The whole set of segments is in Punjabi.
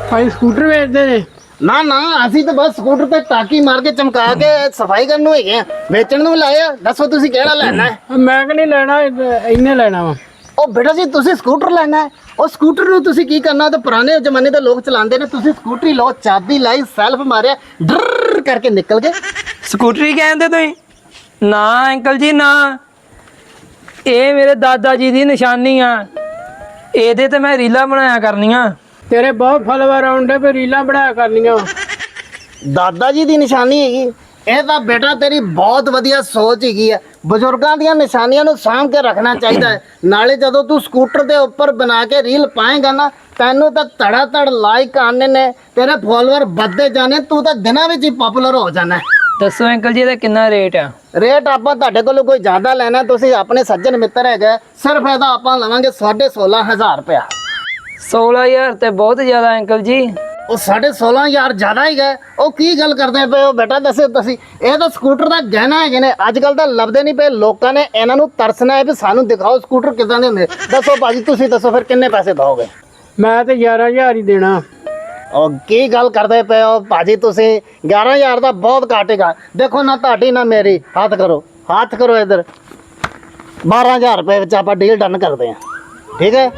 ਭਾਈ ਸਕੂਟਰ ਵੇਚਦੇ ਨੇ? ਨਾ ਨਾ, ਅਸੀਂ ਤਾਂ ਬਸ ਸਕੂਟਰ ਤੇ ਟਾਕੀ ਮਾਰ ਕੇ ਚਮਕਾ ਕੇ ਸਫਾਈ ਕਰਨ ਨੂੰ ਹੈਗੇ ਆ, ਵੇਚਣ ਨੂੰ ਲਾਇਆ। ਦੱਸੋ ਤੁਸੀਂ ਕਿਹੜਾ ਲੈਣਾ ਹੈ? ਮੈਂ ਕਿ ਨਹੀਂ ਲੈਣਾ, ਇਹਨੇ ਲੈਣਾ ਵਾ। ਉਹ ਬੇਟਾ ਜੀ ਤੁਸੀਂ ਸਕੂਟਰ ਲੈਣਾ ਹੈ, ਉਹ ਸਕੂਟਰ ਨੂੰ ਤੁਸੀਂ ਕੀ ਕਰਨਾ? ਤੇ ਪੁਰਾਣੇ ਜ਼ਮਾਨੇ ਦੇ ਲੋਕ ਚਲਾਉਂਦੇ ਨੇ, ਤੁਸੀਂ ਸਕੂਟਰੀ ਲਓ, ਚਾਬੀ ਲਾਈ, ਸੈਲਫ ਮਾਰਿਆ, ਡਰ ਕਰਕੇ ਨਿਕਲ ਗਏ। ਸਕੂਟਰੀ ਕਹਿੰਦੇ ਤੁਸੀਂ? ਨਾ ਅੰਕਲ ਜੀ ਨਾ, ਇਹ ਮੇਰੇ ਦਾਦਾ ਜੀ ਦੀ ਨਿਸ਼ਾਨੀ ਆ। ਇਹਦੇ ਤੇ ਮੈਂ ਰੀਲਾਂ ਬਣਾਇਆ ਕਰਨੀਆਂ। ਤੇਰੇ ਬਹੁਤ ਫਾਲੋਵਰ ਆਉਂਦੇ ਪਏ, ਰੀਲਾਂ ਬਣਾਇਆ ਕਰਨੀਆਂ। ਦਾਦਾ ਜੀ ਦੀ ਨਿਸ਼ਾਨੀ ਹੈਗੀ? ਇਹ ਤਾਂ ਬੇਟਾ ਤੇਰੀ ਬਹੁਤ ਵਧੀਆ ਸੋਚ ਹੈਗੀ ਆ। ਬਜ਼ੁਰਗਾਂ ਦੀਆਂ ਨਿਸ਼ਾਨੀਆਂ ਨੂੰ ਸਾਂਭ ਕੇ ਰੱਖਣਾ ਚਾਹੀਦਾ ਹੈ। ਨਾਲੇ ਜਦੋਂ ਤੂੰ ਸਕੂਟਰ ਦੇ ਉੱਪਰ ਬਣਾ ਕੇ ਰੀਲ ਪਾਏਗਾ ਨਾ, ਤੈਨੂੰ ਤਾਂ ਧੜਾ ਧੜ ਲਾਈਕ ਆਣੇ ਨੇ, ਤੇਰੇ ਫਾਲੋਅਰ ਵੱਧਦੇ ਜਾਣੇ, ਤੂੰ ਤਾਂ ਦਿਨਾਂ ਵਿੱਚ ਹੀ ਪਪੂਲਰ ਹੋ ਜਾਣਾ। ਦੱਸੋ ਅੰਕਲ ਜੀ ਇਹਦਾ ਕਿੰਨਾ ਰੇਟ ਆ? ਰੇਟ ਆਪਾਂ ਤੁਹਾਡੇ ਕੋਲੋਂ ਕੋਈ ਜ਼ਿਆਦਾ ਲੈਣਾ, ਤੁਸੀਂ ਆਪਣੇ ਸੱਜਣ ਮਿੱਤਰ ਹੈਗੇ, ਸਿਰਫ ਇਹਦਾ ਆਪਾਂ ਲਵਾਂਗੇ 16,500 ਰੁਪਇਆ। 16,000 ਤੇ ਬਹੁਤ ਜ਼ਿਆਦਾ ਅੰਕਲ ਜੀ। ਉਹ 16,500 ਜ਼ਿਆਦਾ ਹੀ ਗਏ। ਉਹ ਕੀ ਗੱਲ ਕਰਦੇ ਪਏ ਹੋ ਬੇਟਾ? ਦੱਸੋ ਤੁਸੀਂ, ਇਹ ਤਾਂ ਸਕੂਟਰ ਦਾ ਗਹਿਣਾ ਹੈਗੇ ਨੇ, ਅੱਜ ਕੱਲ ਤਾਂ ਲੱਭਦੇ ਨਹੀਂ ਪਏ। ਲੋਕਾਂ ਨੇ ਇਹਨਾਂ ਨੂੰ ਤਰਸਣਾ ਹੈ ਵੀ ਸਾਨੂੰ ਦਿਖਾਓ ਸਕੂਟਰ ਕਿੱਦਾਂ ਦੇ ਹੁੰਦੇ। ਦੱਸੋ ਭਾਜੀ, ਤੁਸੀਂ ਦੱਸੋ ਫਿਰ ਕਿੰਨੇ ਪੈਸੇ ਦੋਗੇ? ਮੈਂ ਤੇ 11,000 ਹੀ ਦੇਣਾ। ਉਹ ਕੀ ਗੱਲ ਕਰਦੇ ਪਏ ਹੋ ਭਾਜੀ? ਤੁਸੀਂ 11,000 ਦਾ ਬਹੁਤ ਘਾਟੇਗਾ। ਦੇਖੋ ਨਾ ਤੁਹਾਡੀ ਨਾ ਮੇਰੀ, ਹੱਥ ਕਰੋ, ਹੱਥ ਕਰੋ ਇੱਧਰ। 12,000 ਰੁਪਏ ਵਿੱਚ ਆਪਾਂ ਡੀਲ ਡਨ ਕਰਦੇ ਹਾਂ, ਠੀਕ ਹੈ?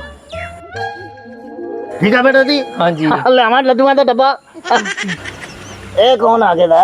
ਠੀਕ ਹੈ ਬੇਟਾ ਜੀ। ਹਾਂਜੀ ਲਿਆਵਾਂ ਲੱਡੂਆਂ ਦਾ ਡੱਬਾ। ਇਹ ਕੌਣ ਆ ਗਿਆ?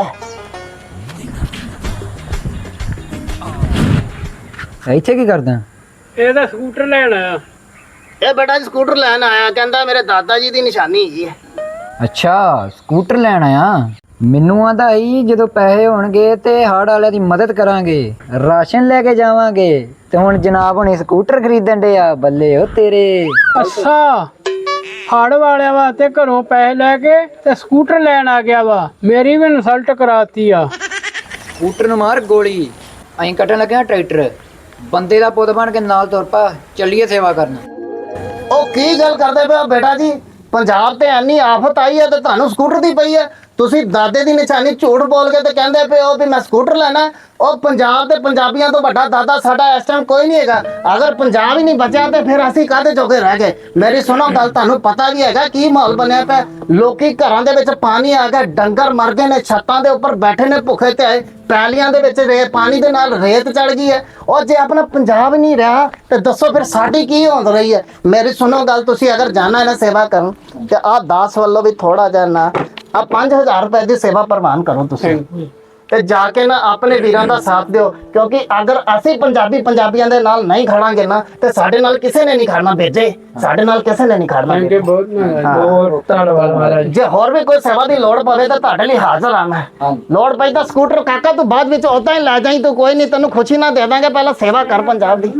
ਇੱਥੇ ਕੀ ਕਰਦਾ? ਇਹ ਤਾਂ ਸਕੂਟਰ ਲੈਣ ਆਇਆ। ਇਹ ਬੇਟਾ ਜੀ ਸਕੂਟਰ ਲੈਣ ਆਇਆ, ਕਹਿੰਦਾ ਮੇਰੇ ਦਾਦਾ ਜੀ ਦੀ ਨਿਸ਼ਾਨੀ ਹੈਗੀ ਹੈ। ਅੱਛਾ ਸਕੂਟਰ ਲੈਣ ਆਇਆ। ਮੈਨੂੰ ਆਂਦਾ ਹੀ ਜਦੋਂ ਪੈਸੇ ਹੋਣਗੇ ਤੇ ਹੜ ਵਾਲਿਆਂ ਦੀ ਮਦਦ ਕਰਾਂਗੇ, ਰਾਸ਼ਨ ਲੈ ਕੇ ਜਾਵਾਂਗੇ। ਤੇ ਹੁਣ ਜਨਾਬ ਹੁਣੇ ਸਕੂਟਰ ਖਰੀਦਣ ਡੇ ਆ। ਬੱਲੇ ਉਹ ਤੇਰੇ। ਅੱਛਾ, ਹੜ ਵਾਲਿਆਂ ਵਾਸਤੇ ਘਰੋਂ ਪੈਸੇ ਲੈ ਕੇ ਤੇ ਸਕੂਟਰ ਲੈਣ ਆ ਗਿਆ ਵਾ। ਮੇਰੀ ਵੀ ਇਨਸਲਟ ਕਰਾਤੀ ਆ। ਸਕੂਟਰ ਨੂੰ ਮਾਰ ਗੋਲੀ। ਅਸੀਂ ਕੱਟਣ ਲੱਗੇ ਆ ਟਰੈਕਟਰ। ਬੰਦੇ ਦਾ ਪੁੱਤ ਬਣ ਕੇ ਨਾਲ ਤੁਰ ਪਾ, ਚੱਲੀਏ ਸੇਵਾ ਕਰਨ। ਉਹ ਕੀ ਗੱਲ ਕਰਦੇ ਪਏ ਹੋ ਬੇਟਾ ਜੀ? ਪੰਜਾਬ ਤੇ ਐਨੀ ਆਫਤ ਆਈ ਹੈ ਤੇ ਤੁਹਾਨੂੰ ਸਕੂਟਰ ਦੀ ਪਈ ਹੈ। ਤੁਸੀਂ ਦਾਦੇ ਦੀ ਨਿਸ਼ਾਨੀ ਝੂਠ ਬੋਲ ਕੇ ਤੇ ਕਹਿੰਦੇ ਪਏ ਹੋ ਵੀ ਮੈਂ ਸਕੂਟਰ ਲੈਣਾ। ਉਹ ਪੰਜਾਬ ਦੇ ਪੰਜਾਬੀਆਂ ਤੋਂ ਵੱਡਾ ਦਾਦਾ ਸਾਡਾ ਇਸ ਟਾਈਮ ਕੋਈ ਨਹੀਂ ਹੈਗਾ। ਅਗਰ ਪੰਜਾਬ ਹੀ ਨਹੀਂ ਬਚਿਆ ਤੇ ਫਿਰ ਅਸੀਂ ਕਾਹਦੇ ਜੋਗੇ ਰਹਿ ਗਏ? ਮੇਰੀ ਸੁਣੋ ਗੱਲ, ਤੁਹਾਨੂੰ ਪਤਾ ਵੀ ਹੈਗਾ ਕੀ ਮਾਹੌਲ ਬਣਿਆ ਪਿਆ। ਲੋਕੀ ਘਰਾਂ ਦੇ ਵਿੱਚ ਪਾਣੀ ਆ ਗਿਆ, ਡੰਗਰ ਮਰ ਗਏ ਨੇ, ਛੱਤਾਂ ਦੇ ਉੱਪਰ ਬੈਠੇ ਨੇ ਭੁੱਖੇ ਤੇ ਆਏ, ਪੈਲੀਆਂ ਦੇ ਵਿੱਚ ਪਾਣੀ ਦੇ ਨਾਲ ਰੇਤ ਚੜ ਗਈ ਹੈ। ਉਹ ਜੇ ਆਪਣਾ ਪੰਜਾਬ ਨਹੀਂ ਰਿਹਾ ਤੇ ਦੱਸੋ ਫਿਰ ਸਾਡੀ ਕੀ ਹੋਂਦ ਰਹੀ ਹੈ? ਮੇਰੀ ਸੁਣੋ ਗੱਲ, ਤੁਸੀਂ ਅਗਰ ਜਾਣਾ ਹੈ ਨਾ ਸੇਵਾ ਕਰਨ, ਤੇ ਆਹ 10 ਵੱਲੋਂ ਵੀ ਥੋੜਾ ਜਿਹਾ ਨਾ, ਆ 5,000 ਰੁਪਏ ਦੀ ਸੇਵਾ ਪ੍ਰਵਾਨ ਕਰੋ ਤੁਸੀਂ, ਤੇ ਜਾ ਕੇ ਨਾ ਆਪਣੇ ਵੀਰਾਂ ਦਾ ਸਾਥ ਦਿਓ। ਕਿਉਂਕਿ ਅਗਰ ਅਸੀਂ ਪੰਜਾਬੀਆਂ ਦੇ ਨਾਲ ਨਹੀਂ ਖੜਾਂਗੇ ਨਾ, ਤੇ ਸਾਡੇ ਨਾਲ ਕਿਸੇ ਨੇ ਨਹੀਂ ਖੜਨਾ। ਭੇਜੇ ਸਾਡੇ ਨਾਲ ਕਿਸੇ ਨੇ ਨਹੀਂ ਖੜਨਾ। ਬਹੁਤ ਧੰਨਵਾਦ ਮਹਾਰਾਜ। ਜੇ ਹੋਰ ਵੀ ਕੋਈ ਸੇਵਾ ਦੀ ਲੋੜ ਪਵੇ ਤਾਂ ਤੁਹਾਡੇ ਲਈ ਹਾਜ਼ਰ ਆ ਮੈਂ। ਲੋੜ ਪਈ ਤਾਂ ਸਕੂਟਰ ਕਾਕਾ ਤੂੰ ਬਾਅਦ ਵਿੱਚ ਉਦਾਂ ਹੀ ਲੈ ਜਾਈਂ, ਤੂੰ ਕੋਈ ਨਹੀਂ, ਤੈਨੂੰ ਖੁਸ਼ੀ ਨਾ ਦੇ ਦਾਂਗੇ। ਪਹਿਲਾਂ ਸੇਵਾ ਕਰ ਪੰਜਾਬ ਦੀ।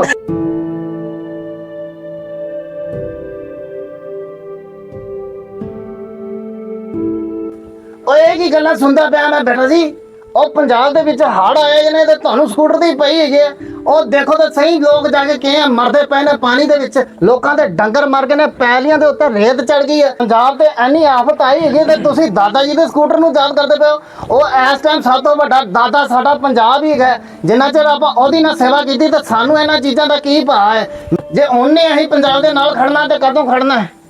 ਓਏ ਇਹ ਕੀ ਗੱਲਾਂ ਸੁਣਦਾ ਪਿਆ ਮੈਂ ਬੇਟਾ ਜੀ? ਉਹ ਪੰਜਾਬ ਦੇ ਵਿੱਚ ਹੜ੍ਹ ਆਏ ਨੇ ਤੇ ਤੁਹਾਨੂੰ ਸਕੂਟਰ ਦੀ ਪਈ ਹੈਗੀ ਹੈ। ਉਹ ਦੇਖੋ ਤਾਂ ਸਹੀ, ਲੋਕ ਜਾ ਕੇ ਕਿਵੇਂ ਮਰਦੇ ਪਏ ਨੇ ਪਾਣੀ ਦੇ ਵਿੱਚ। ਲੋਕਾਂ ਦੇ ਡੰਗਰ ਮਰ ਗਏ ਨੇ, ਪੈਲੀਆਂ ਦੇ ਉੱਤੇ ਰੇਤ ਚੜ ਗਈ ਹੈ। ਪੰਜਾਬ ਤੇ ਐਨੀ ਆਫਤ ਆਈ ਹੈਗੀ ਤੇ ਤੁਸੀਂ ਦਾਦਾ ਜੀ ਦੇ ਸਕੂਟਰ ਨੂੰ ਯਾਦ ਕਰਦੇ ਪਏ ਹੋ। ਉਹ ਇਸ ਟਾਈਮ ਸਭ ਤੋਂ ਵੱਡਾ ਦਾਦਾ ਸਾਡਾ ਪੰਜਾਬ ਹੀ ਹੈਗਾ। ਜਿੰਨਾ ਚਿਰ ਆਪਾਂ ਉਹਦੀ ਨਾਲ ਸੇਵਾ ਕੀਤੀ ਤਾਂ ਸਾਨੂੰ ਇਹਨਾਂ ਚੀਜ਼ਾਂ ਦਾ ਕੀ ਭਾਅ ਹੈ? ਜੇ ਉਹਨੇ ਅਸੀਂ ਪੰਜਾਬ ਦੇ ਨਾਲ ਖੜਨਾ ਤੇ ਕਦੋਂ ਖੜਨਾ ਹੈ?